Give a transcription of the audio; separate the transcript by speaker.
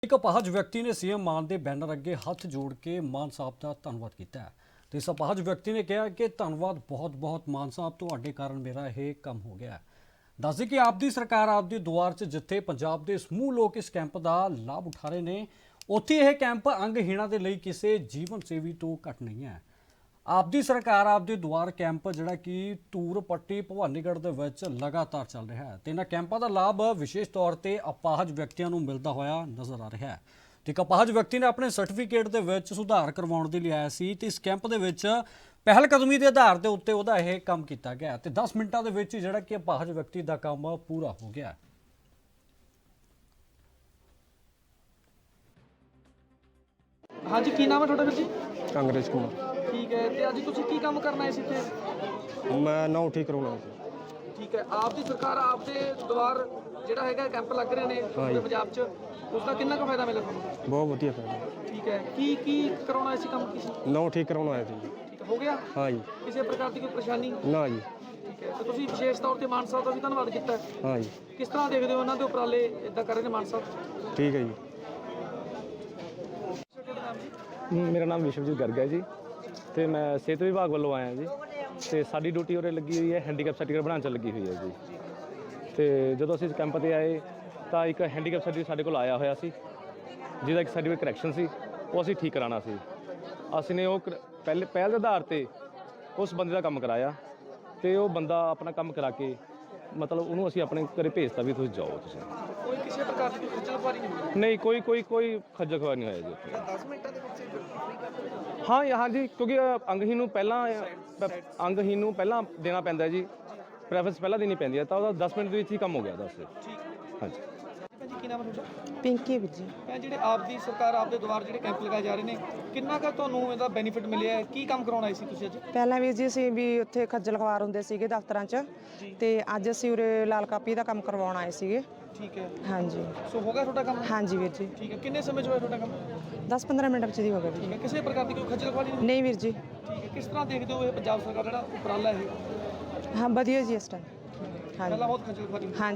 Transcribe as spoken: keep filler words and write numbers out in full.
Speaker 1: ਇੱਕ ਅਪਾਹਜ ਵਿਅਕਤੀ ਨੇ ਸੀਐਮ ਮਾਨ ਦੇ ਬੈਨਰ ਅੱਗੇ ਹੱਥ ਜੋੜ ਕੇ ਮਾਨ ਸਾਹਿਬ ਦਾ ਧੰਨਵਾਦ ਕੀਤਾ ਹੈ ਤੇ ਇਸ ਅਪਾਹਜ ਵਿਅਕਤੀ ਨੇ ਕਿਹਾ ਕਿ ਧੰਨਵਾਦ ਬਹੁਤ ਬਹੁਤ ਮਾਨ ਸਾਹਿਬ, ਤੁਹਾਡੇ ਕਾਰਨ ਮੇਰਾ ਇਹ ਕੰਮ ਹੋ ਗਿਆ। ਦੱਸਦੇ ਕਿ ਆਪ ਦੀ ਸਰਕਾਰ ਆਪ ਦੀ ਦੁਆਰ 'ਚ ਜਿੱਥੇ ਪੰਜਾਬ ਦੇ ਸਮੂਹ ਲੋਕ ਇਸ ਕੈਂਪ ਦਾ ਲਾਭ ਉਠਾ ਰਹੇ ਨੇ, ਉੱਥੇ ਇਹ ਕੈਂਪ ਅੰਗਹੀਣਾਂ ਦੇ ਲਈ ਕਿਸੇ ਜੀਵਨ ਸੇਵੀ ਤੋਂ ਘੱਟ ਨਹੀਂ ਹੈ। ਆਪ ਦੀ ਸਰਕਾਰ ਆਪ ਦੇ ਦੁਆਰ ਕੈਂਪ ਜਿਹੜਾ ਕਿ ਧੂਰ ਪੱਟੀ ਭਵਾਨੀਗੜ੍ਹ ਦੇ ਵਿੱਚ ਲਗਾਤਾਰ ਚੱਲ ਰਿਹਾ ਹੈ ਤੇ ਇਹਨਾਂ ਕੈਂਪਾਂ ਦਾ ਲਾਭ ਵਿਸ਼ੇਸ਼ ਤੌਰ ਤੇ ਅਪਾਹਜ ਵਿਅਕਤੀਆਂ ਨੂੰ ਮਿਲਦਾ ਹੋਇਆ ਨਜ਼ਰ ਆ ਰਿਹਾ ਹੈ। ਤੇ ਇੱਕ ਅਪਾਹਜ ਵਿਅਕਤੀ ਨੇ ਆਪਣੇ ਸਰਟੀਫਿਕੇਟ ਦੇ ਵਿੱਚ ਸੁਧਾਰ ਕਰਵਾਉਣ ਦੇ ਲਈ ਆਇਆ ਸੀ ਤੇ ਇਸ ਕੈਂਪ ਦੇ ਵਿੱਚ ਪਹਿਲ ਕਦਮੀ ਦੇ ਆਧਾਰ ਦੇ ਉੱਤੇ ਉਹਦਾ ਇਹ ਕੰਮ ਕੀਤਾ ਗਿਆ ਤੇ ਦਸ ਮਿੰਟਾਂ ਦੇ ਵਿੱਚ ਜਿਹੜਾ ਕਿ ਅਪਾਹਜ ਵਿਅਕਤੀ ਦਾ ਕੰਮ ਪੂਰਾ ਹੋ ਗਿਆ।
Speaker 2: हाँ जी, की नाम है थोड़ा जी?
Speaker 3: कांग्रेस कुमार।
Speaker 2: ठीक है, तो अज तुम की काम करना है इतने?
Speaker 3: मैं नौ ठीक करवाना है।
Speaker 2: ठीक है, आप दी सरकार आप दे द्वार ਜਿਹੜਾ ਹੈਗਾ ਕੈਂਪ ਲੱਗ ਰਹੇ ਨੇ ਪੂਰੇ ਪੰਜਾਬ 'ਚ, ਉਸ ਦਾ ਕਿੰਨਾ ਕੁ ਫਾਇਦਾ ਮਿਲਿਆ ਤੁਹਾਨੂੰ?
Speaker 3: बहुत बढ़िया फायदा।
Speaker 2: ਠੀਕ ਹੈ, ਕੀ ਕੀ ਕਰਾਉਣਾ ਸੀ ਕੰਮ ਕੀ ਸੀ?
Speaker 3: नौ ठीक करवाना आया था जी।
Speaker 2: ਠੀਕ ਹੈ, ਹੋ ਗਿਆ?
Speaker 3: हाँ जी।
Speaker 2: ਕਿਸੇ ਪ੍ਰਕਾਰ ਦੀ ਕੋਈ ਪਰੇਸ਼ਾਨੀ?
Speaker 3: ना जी।
Speaker 2: ਠੀਕ ਹੈ, ਤੇ ਤੁਸੀਂ ਵਿਸ਼ੇਸ਼ ਤੌਰ ਤੇ ਮਾਨ ਸਾਹਿਬ ਦਾ ਵੀ ਧੰਨਵਾਦ ਕੀਤਾ ਹੈ।
Speaker 3: हाँ जी।
Speaker 2: ਕਿਸ ਤਰ੍ਹਾਂ ਦੇਖਦੇ ਹੋ ਉਹਨਾਂ ਦੇ ਉਪਰਾਲੇ ਇਦਾਂ ਕਰ ਰਹੇ ਨੇ ਮਾਨ ਸਾਹਿਬ?
Speaker 3: ठीक है जी।
Speaker 4: ਮੇਰਾ ਨਾਮ ਵਿਸ਼ਵਜੀਤ ਗਰਗ ਹੈ ਜੀ ਤੇ ਮੈਂ ਸਿਹਤ ਵਿਭਾਗ ਵੱਲੋਂ ਆਇਆ ਜੀ ਤੇ ਸਾਡੀ ਡਿਊਟੀ ਉਰੇ ਲੱਗੀ ਹੋਈ ਹੈ ਹੈਂਡੀਕੈਪ ਸਰਟੀਫਿਕੇਟ ਬਣਾਉਣ 'ਚ ਲੱਗੀ ਹੋਈ ਹੈ ਜੀ। ਤੇ ਜਦੋਂ ਅਸੀਂ ਇਸ ਕੈਂਪ 'ਤੇ ਆਏ ਤਾਂ ਇੱਕ ਹੈਂਡੀਕੈਪ ਸਰਟੀਫਿਕੇਟ ਸਾਡੇ ਕੋਲ ਆਇਆ ਹੋਇਆ ਸੀ ਜਿਹਦਾ ਇੱਕ ਸਰਟੀਫਿਕੇਟ ਕਰੈਕਸ਼ਨ ਸੀ, ਉਹ ਅਸੀਂ ਠੀਕ ਕਰਾਉਣਾ ਸੀ। ਅਸੀਂ ਨੇ ਉਹ ਪਹਿਲੇ ਪਹਿਲ ਦੇ ਆਧਾਰ 'ਤੇ ਉਸ ਬੰਦੇ ਦਾ ਕੰਮ ਕਰਾਇਆ ਤੇ ਉਹ ਬੰਦਾ ਆਪਣਾ ਕੰਮ ਕਰਾ ਕੇ ਮਤਲਬ ਉਹਨੂੰ ਅਸੀਂ ਆਪਣੇ ਘਰੇ ਭੇਜਤਾ ਵੀ ਤੁਸੀਂ ਜਾਓ। ਤੁਸੀਂ
Speaker 2: ਕੋਈ ਕਿਸੇ ਪ੍ਰਕਾਰ ਦੀ ਕੋਈ ਖੱਜਲ ਖੁਆਰੀ ਨਹੀਂ ਹੋਈ?
Speaker 4: ਨਹੀਂ, ਕੋਈ ਕੋਈ ਕੋਈ ਖੱਜਲ ਖੁਆਰ ਨਹੀਂ ਹੋਇਆ ਜੀ ਉੱਥੇ।
Speaker 2: ਦਸ ਮਿੰਟਾਂ ਦੇ ਵਿੱਚ
Speaker 4: ਹਾਂ ਹਾਂ ਜੀ, ਕਿਉਂਕਿ ਅੰਗਹੀਨ ਨੂੰ ਪਹਿਲਾਂ ਅੰਗਹੀਨ ਨੂੰ ਪਹਿਲਾਂ ਦੇਣਾ ਪੈਂਦਾ ਜੀ, ਪ੍ਰੈਫਰੈਂਸ ਪਹਿਲਾਂ ਦੇਣੀ ਪੈਂਦੀ ਹੈ, ਤਾਂ ਉਹਦਾ ਦਸ ਮਿੰਟ ਦੇ ਵਿੱਚ ਹੀ ਕੰਮ ਹੋ ਗਿਆ ਦੱਸ।
Speaker 2: ਠੀਕ
Speaker 4: ਹਾਂਜੀ।
Speaker 2: ਭੈਣ ਜੀ, ਕੀ ਨਾਮ ਹੈ ਤੁਹਾਡਾ?
Speaker 5: ਪਿੰਕੀ ਵੀਰ ਜੀ।
Speaker 2: ਭੈਣ, ਜਿਹੜੇ ਆਪ ਦੀ ਸਰਕਾਰ ਆਪ ਦੇ ਦੁਆਰ ਜਿਹੜੇ ਕੈਂਪ ਲਗਾਏ ਜਾ ਰਹੇ ਨੇ, ਕਿੰਨਾ ਕੁ ਤੁਹਾਨੂੰ ਇਹਦਾ ਬੈਨੀਫਿਟ ਮਿਲਿਆ ਹੈ? ਕੀ ਕੰਮ ਕਰਾਉਣਾ ਸੀ ਤੁਸੀਂ ਅੱਜ?
Speaker 5: ਪਹਿਲਾਂ ਵੀਰ ਜੀ ਅਸੀਂ ਵੀ ਉੱਥੇ ਖੱਜਲ ਖਵਾਰ ਹੁੰਦੇ ਸੀਗੇ ਦਫ਼ਤਰਾਂ 'ਚ, ਤੇ ਅੱਜ ਅਸੀਂ ਉਰੇ ਲਾਲ ਕਾਪੀ ਦਾ ਕੰਮ ਕਰਵਾਉਣ ਆਏ ਸੀਗੇ।
Speaker 2: ਠੀਕ ਹੈ,
Speaker 5: ਹਾਂਜੀ।
Speaker 2: ਸੋ ਹੋ ਗਿਆ ਤੁਹਾਡਾ ਕੰਮ?
Speaker 5: ਹਾਂਜੀ ਵੀਰ ਜੀ।
Speaker 2: ਠੀਕ ਹੈ, ਕਿੰਨੇ ਸਮੇਂ 'ਚ ਹੋਇਆ ਤੁਹਾਡਾ ਕੰਮ?
Speaker 5: ਦਸ ਪੰਦਰਾਂ ਮਿੰਟ ਵਿੱਚ ਹੀ ਹੋ ਗਿਆ ਵੀਰ
Speaker 2: ਠੀਕ
Speaker 5: ਜੀ।
Speaker 2: ਹੈ, ਕਿਸੇ ਪ੍ਰਕਾਰ ਦੀ ਕੋਈ ਖੱਜਲ ਖੁਆਰੀ ਨਹੀਂ?
Speaker 5: ਨਹੀਂ ਵੀਰ ਜੀ।
Speaker 2: ਠੀਕ ਹੈ, ਕਿਸ ਤਰ੍ਹਾਂ ਦੇਖਦੇ ਹੋ ਇਹ ਪੰਜਾਬ ਸਰਕਾਰ ਜਿਹੜਾ ਉਪਰਾਲਾ ਇਹ?
Speaker 5: ਹਾਂ ਵਧੀਆ ਜੀ ਇਸ ਟਾਈਮ।
Speaker 2: ਪਹਿਲਾਂ
Speaker 5: ਹਾਂਜੀ
Speaker 2: ਬਹੁਤ ਖੱਜਲ ਖੁਆਰੀ ਹੁੰਦੀ ਸੀ।
Speaker 5: ਹਾਂਜੀ।